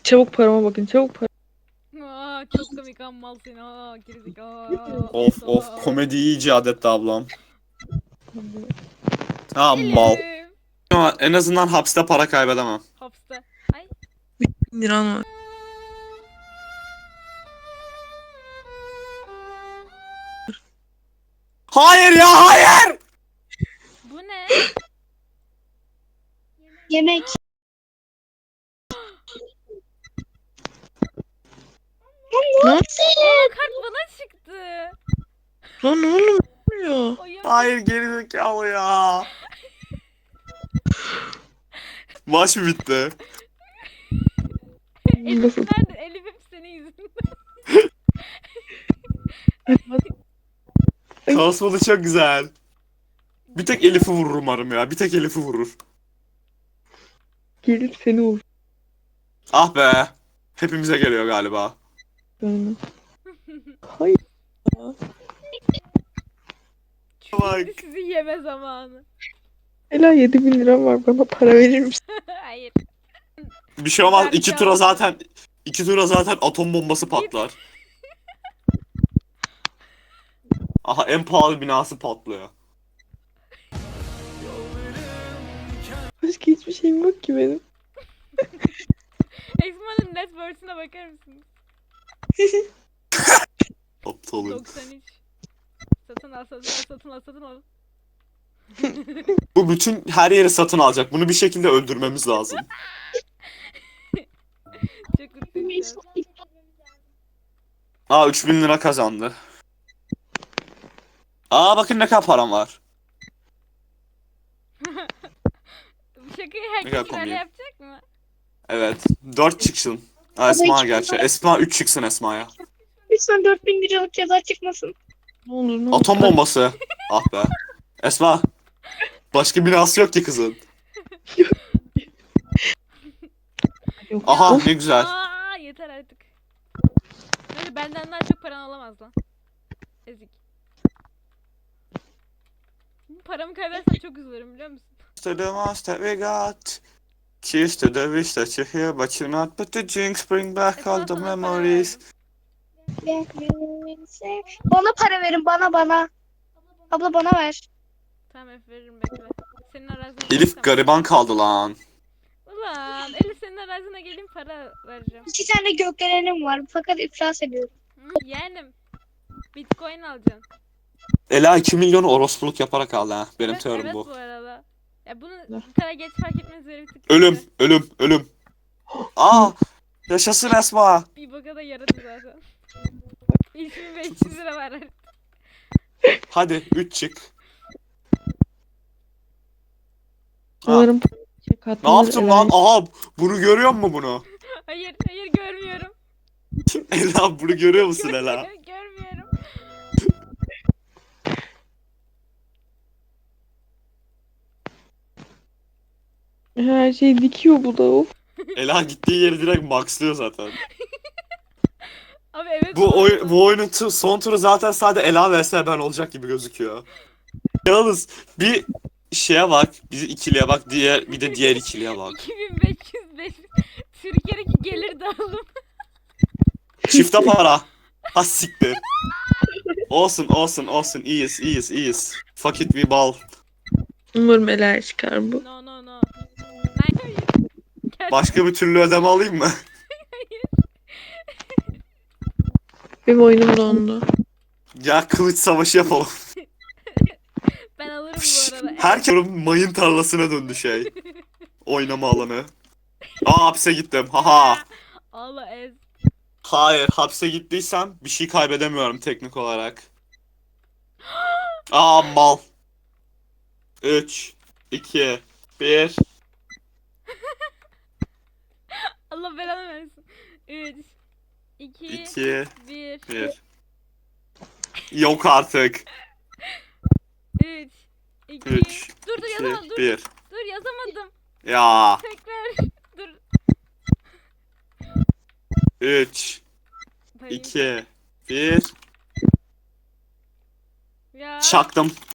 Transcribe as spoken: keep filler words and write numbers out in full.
Çabuk parama bakın, çabuk para. Aa, çok komik ammal seni. Aa, gerizekalı. Of Aptal. of, komedi iyi icat etti ablam. Ha mal. Elif. Ama en azından hapiste para kaybedemem. Hapiste. Ay. bin liran var. Hayır ya, hayır. Bu ne? Yemek. Lan, Aa, kart bana çıktı. lan oğlum ne oluyor? Oyun Hayır, gerizekalı ya. Maç mı bitti? Elif nerede? Elif hep senin yüzünden. Kasmalı çok güzel. Bir tek Elif'i vurur umarım ya. Bir tek Elif'i vurur. Gelip seni vur. Ah be. Hepimize geliyor galiba. Yani. Hayır. Bak. Şimdi sizi yeme zamanı. Ela yedi bin liram var, bana para verir misin? Hayır. Bir şey olmaz. Vergi İki tura aldım. zaten iki tura zaten atom bombası patlar. Aha, en pahalı binası patlıyor. Başka hiçbir şeyim yok ki benim. Exmo'nun net worth'una bakar mısınız? Aptalım. doksan üç. Satın al, satın al, satın al, satın al. Bu bütün her yeri satın alacak. Bunu bir şekilde öldürmemiz lazım. Çok mutluyum şu an. Aa, üç bin lira kazandı. Aa, bakın ne kadar param var. Bu şakayı Ne kadar herkes böyle komik. yapacak mı? Evet. dört çıksın. Aa, Esma gerçi. Esma üç çıksın Esma'ya. Lütfen dört bin liralık ceza çıkmasın. Ne olur ne olur. Atom bombası. Ah be. Esma. Başka binası yok ki kızın. Yok. Aha, Of, ne güzel. Aa, yeter artık. Böyle benden daha çok paran olamaz lan. Ezik. Paramı kaybedersen çok üzülürüm, biliyor musun? To the most that we got. Cheers to the wish that you're here, but you're not. But the drinks bring back all the Esma, sana para memories. verdim. Bana para verin, bana bana. Abla bana ver. Tamam, Efe veririm, bekle. Senin arazine Elif gelirsem- gariban kaldı lan. Ulan Elif, senin arazine geleyim, para vereceğim. İki tane gökdelenim var fakat iflas ediyorum. Hı, yeğenim. Bitcoin alacaksın. Ela iki milyonu orospuluk yaparak aldı ha. Benim Evet, teorim evet bu. bu arada. Ya bunu bu kadar geç fark etmeniz bir tık Ölüm, kötü. ölüm, ölüm. Aa, yaşasın Esma. Bir boka da yaradı zaten. üç bin beş yüz lira var. Hadi üç çık. Ha, Umarım şey ne katlanır yaptım Ela. lan? Aha, bunu görüyor musun bunu? Hayır, hayır görmüyorum. Ela, bunu görüyor musun Ela? Görmüyorum. Her şey dikiyor bu da, of. Ela gittiği yeri direkt maxlıyor zaten. Abi evet. Bu arada. oy bu oyunun tu- son turu zaten sadece Ela vs ben olacak gibi gözüküyor. Yalnız bir şeye bak, bir ikiliye bak, diğer bir de diğer ikiliye bak. iki bin beş yüz beş. Türkiye'deki gelir dağılım. Çifte para. Ha siktir. Olsun olsun olsun, iyiyiz iyiyiz iyiyiz. Fuck it, we ball. Umarım Ela çıkar bu. No no no. Hayır, hayır. Gel. Başka bir türlü ödeme alayım mı? Benim oyunum dondu. Ya kılıç savaşı yapalım. Ben alırım bu arada. Herkes mayın tarlasına döndü şey. Oynama alanı. Aa, hapse gittim. Haha. Allah ez. Hayır, hapse gittiysem bir şey kaybedemiyorum teknik olarak. Aa, mal. üç, iki, bir. Allah belanı versin. üç, iki, iki, bir. bir. Yok artık. üç, iki. üç, Dur dur iki, yazamadım. Dur. bir. Dur yazamadım. Ya. Tekrar. Dur. üç, Hayır. iki, bir. Ya. Çaktım.